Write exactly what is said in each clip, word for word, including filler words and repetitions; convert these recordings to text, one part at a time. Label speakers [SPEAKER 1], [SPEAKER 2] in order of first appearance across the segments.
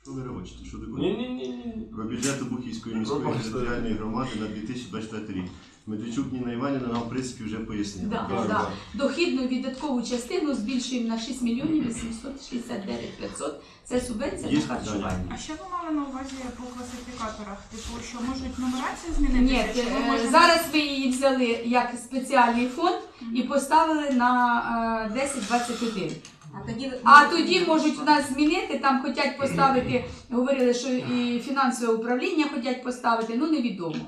[SPEAKER 1] Що ви хочете? Що таке?
[SPEAKER 2] Ні-ні-ні.
[SPEAKER 1] Про бюджет Обухівської міської територіальної громади на дві тисячі двадцять четвертий рік. Медведчук Ніна Іванівна нам, в принципі, вже пояснила.
[SPEAKER 3] Да,
[SPEAKER 2] Так,
[SPEAKER 3] да.
[SPEAKER 2] так.
[SPEAKER 3] Дохідну і віддаткову частину збільшуємо на шість мільйонів вісімсот шістдесят дев'ять тисяч п'ятсот. Це субвенція
[SPEAKER 1] Є
[SPEAKER 3] на харчування.
[SPEAKER 4] А що ви мали на увазі по класифікаторах? Типу, що можуть нумерацію змінити?
[SPEAKER 3] Ні,
[SPEAKER 4] Чи ви
[SPEAKER 3] е,
[SPEAKER 4] можете-
[SPEAKER 3] зараз ви її взяли як спеціальний фонд і поставили на е, десять двадцять один.
[SPEAKER 5] А тоді,
[SPEAKER 3] А тоді можуть в нас змінити, там хочуть поставити, говорили, що і фінансове управління хочуть поставити, ну невідомо.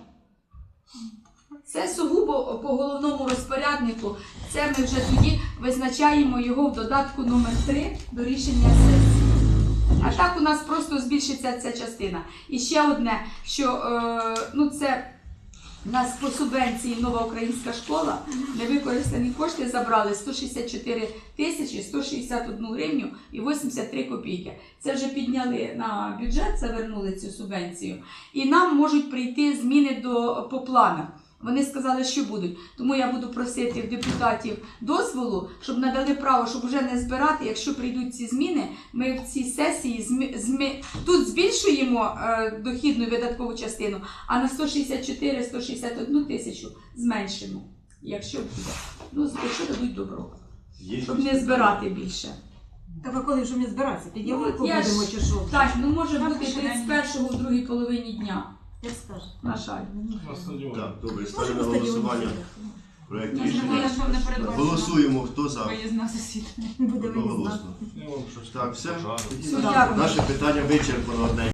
[SPEAKER 3] Це сугубо по головному розпоряднику, це ми вже тоді визначаємо його в додатку номер три до рішення сесії. А так у нас просто збільшиться ця частина. І ще одне, що е, ну це у нас по субвенції нова українська школа, невикористані кошти забрали сто шістдесят чотири тисячі сто шістдесят одну гривню і вісімдесят три копійки. Це вже підняли на бюджет, завернули цю субвенцію. І нам можуть прийти зміни до, по планах. Вони сказали, що будуть. Тому я буду просити в депутатів дозволу, щоб надали право, щоб вже не збирати. Якщо прийдуть ці зміни, ми в цій сесії змі... Змі... тут збільшуємо е, дохідну і видаткову частину, а на сто шістдесят чотири сто шістдесят одну тисячу зменшимо, якщо буде. Ну, якщо дадуть добро,
[SPEAKER 2] Є
[SPEAKER 3] щоб не збирати більше.
[SPEAKER 5] Так а коли ж ми збиратися? Під
[SPEAKER 3] Ну,
[SPEAKER 5] ялинку
[SPEAKER 3] я
[SPEAKER 5] будемо
[SPEAKER 3] ж-
[SPEAKER 5] чи що?
[SPEAKER 3] Так, ну може
[SPEAKER 4] Так,
[SPEAKER 3] бути
[SPEAKER 4] ще
[SPEAKER 3] тридцять першого в другій половині дня,
[SPEAKER 5] Як скажеш.
[SPEAKER 3] на жаль.
[SPEAKER 2] На стадіоні.
[SPEAKER 1] Так, добре,
[SPEAKER 5] Може,
[SPEAKER 1] ставлю на
[SPEAKER 5] на стадіоні
[SPEAKER 1] голосування
[SPEAKER 5] буде.
[SPEAKER 1] проект
[SPEAKER 4] Я знаю,
[SPEAKER 1] рішення.
[SPEAKER 4] що не передбачено
[SPEAKER 1] Голосуємо, хто за.
[SPEAKER 4] виїзна засідання.
[SPEAKER 5] Буде виїзна.
[SPEAKER 1] Одноголосно.
[SPEAKER 2] Я вам щось
[SPEAKER 1] Так, все.
[SPEAKER 2] пожарю.
[SPEAKER 3] Все, дякую.
[SPEAKER 1] Наше питання вичерпано одне.